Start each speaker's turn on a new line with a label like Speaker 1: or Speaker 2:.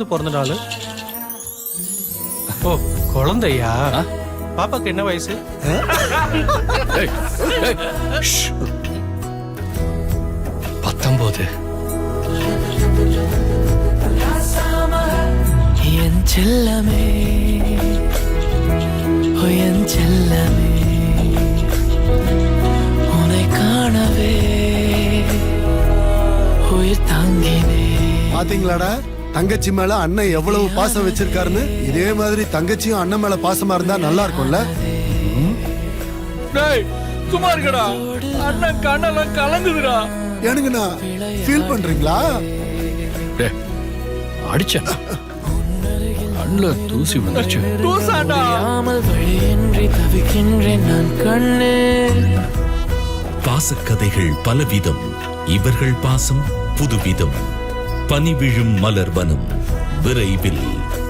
Speaker 1: பிறந்த நாள்? ஓ, குழந்தையா? பாப்பாக்கு என்ன வயசு?
Speaker 2: ஏய், ஏய், ஷ். 19.
Speaker 3: என் செல்லமே, ஓ என் செல்லமே, உன்னை காணவே உயிர் தாங்கினே.
Speaker 4: பாத்தீங்களாடா தங்கச்சி மேல அண்ணன் எவ்வளவு பாசம் வச்சிருக்காருன்னு. இதே மாதிரி தங்கச்சியும் அண்ணன் மேல பாசமா இருந்தா நல்லா இருக்கும்ல.
Speaker 2: டேய் சும்மா இருக்கடா, அண்ணன் கண்ணெல்லாம் கலங்குதுடா.
Speaker 4: எனக்குண்ணா ஃபீல் பண்றீங்களா?
Speaker 2: டேய் அடிச்சேன், கண்ணுல தூசி வந்துருச்சு. தூசாடா.
Speaker 3: தெரியாமல் வழியின்றி தவிக்கின்றேன் நான் கண்ணே.
Speaker 5: பாசக்கதைகள் பலவிதம், இவர்கள் பாசம் புதுவிதம். பனி விழும் மலர் வனம் விரைவில்.